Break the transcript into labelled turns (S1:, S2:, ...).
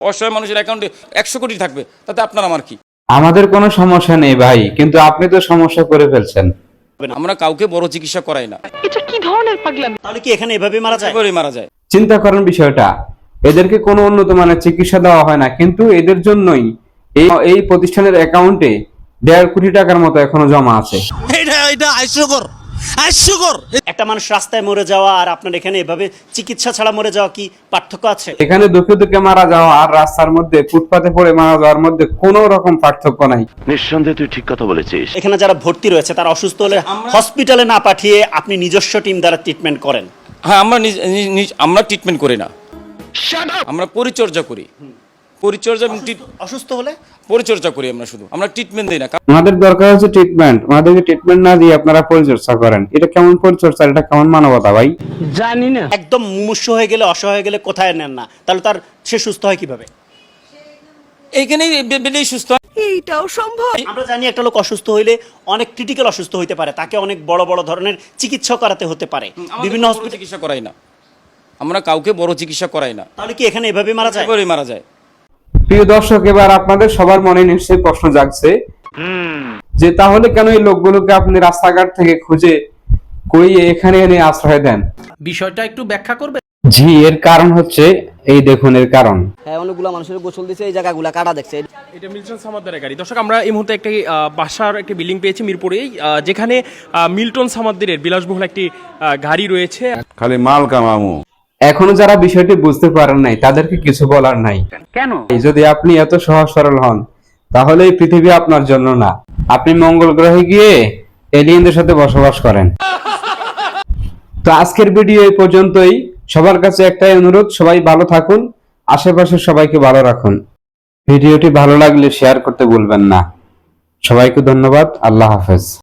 S1: অসহায় মানুষের অ্যাকাউন্টে 100 কোটি থাকবে, তাতে আপনার আমার কি?
S2: আমাদের কোনো সমস্যা নেই ভাই, কিন্তু আপনি তো সমস্যা করে ফেলছেন।
S1: আমরা কাউকে বড় চিকিৎসা করাই না।
S3: এটা কি ধরনের পাগলামি?
S4: তাহলে কি এখানে এভাবে মারা যায়?
S1: এবারেই মারা যায়।
S2: চিন্তা করেন বিষয়টা, এদেরকে কোনো উন্নত মানের চিকিৎসা দেওয়া হয় না, কিন্তু এদের জন্যই এই প্রতিষ্ঠানের অ্যাকাউন্টে 1.5 কোটি টাকার মতো এখনো জমা আছে।
S5: এটা হাস্যকর।
S4: একটা মানুষ রাস্তায় মরে যাওয়া আর আপনার এখানে এভাবে চিকিৎসা ছাড়া মরে যাওয়া কি পার্থক্য আছে?
S2: এখানে দুঃখে দুঃখে মারা যাওয়া আর রাস্তার মধ্যে ফুটপাতে পড়ে মারা যাওয়ার মধ্যে কোনো রকম পার্থক্য নাই।
S6: নিঃসন্দেহে তুই ঠিক কথা বলেছিস।
S4: এখানে যারা ভর্তি রয়েছে তারা অসুস্থ হলে হসপিটালে না পাঠিয়ে আপনি নিজস্ব টিম দ্বারা ট্রিটমেন্ট করেন।
S1: হ্যাঁ, আমরা ট্রিটমেন্ট করি না, আমরা পরিচর্যা করি।
S4: অসুস্থ হলে
S1: পরিচর্যা করি আমরা, শুধু আমরা ট্রিটমেন্ট দিই না।
S2: আমাদের দরকার হচ্ছে ট্রিটমেন্ট, আমাদেরকে ট্রিটমেন্ট না দিয়ে আপনারা পরিচর্যা করেন, এটা কেমন পরিচর্যা, এটা কেমন মানবতা ভাই?
S3: জানি না।
S4: একদম মুমূর্ষু হয়ে গেলে, অসহায় হয়ে গেলে কোথায় নেন না, তাহলে তার সে সুস্থ হয় কিভাবে?
S1: এইখানেই বেলেই সুস্থ হয়।
S3: এইটাও সম্ভব?
S4: আমরা জানি একটা লোক অসুস্থ হইলে অনেক ক্রিটিক্যাল অসুস্থ হইতে পারে, তাকে অনেক বড় বড় ধরনের চিকিৎসা করাতে হতে পারে। বিভিন্ন হসপিটাল
S1: চিকিৎসা করাই না, আমরা কাউকে বড় চিকিৎসা করাই না।
S4: তাহলে কি এখানে এভাবে মারা যায়?
S1: এবারেই মারা যায়।
S2: প্রিয় দর্শক, এবার আপনাদের সবার মনে নিশ্চয়ই প্রশ্ন জাগছে যে তাহলে কেন এই লোকগুলোকে আপনি রাস্তাঘাট থেকে খুঁজে কইয়ে এখানে এনে আশ্রয় দেন?
S5: বিষয়টা একটু ব্যাখ্যা করবে?
S2: জি, এর কারণ হচ্ছে এই দেখুন, এর কারণ
S7: হ্যাঁ, অনেকগুলো মানুষের গোসল দিছে, এই জায়গাগুলো কাটা দেখছে।
S8: এটা মিল্টন সামাদ্দারের গাড়ি। দর্শক, আমরা এই মুহূর্তে একটি বাসার একটি বিল্ডিং পেয়েছি মিরপুরেই, যেখানে মিল্টন সামাদ্দারের বিলাসবহুল একটি গাড়ি রয়েছে।
S6: খালি মাল কামামু।
S2: এখনো যারা বিষয়টি বুঝতে পারেন নাই তাদেরকে কিছু বলার নাই। কেন? যদি আপনি এত সহজ সরল হন তাহলে এই পৃথিবী আপনার জন্য না, আপনি মঙ্গল গ্রহে গিয়ে এলিয়েনদের সাথে বসবাস করেন। তো আজকের ভিডিও এই পর্যন্তই। সবার কাছে একটাই অনুরোধ, সবাই ভালো থাকুন, আশেপাশের সবাইকে ভালো রাখুন। ভিডিওটি ভালো লাগলে শেয়ার করতে ভুলবেন না। সবাইকে ধন্যবাদ। আল্লাহ হাফেজ।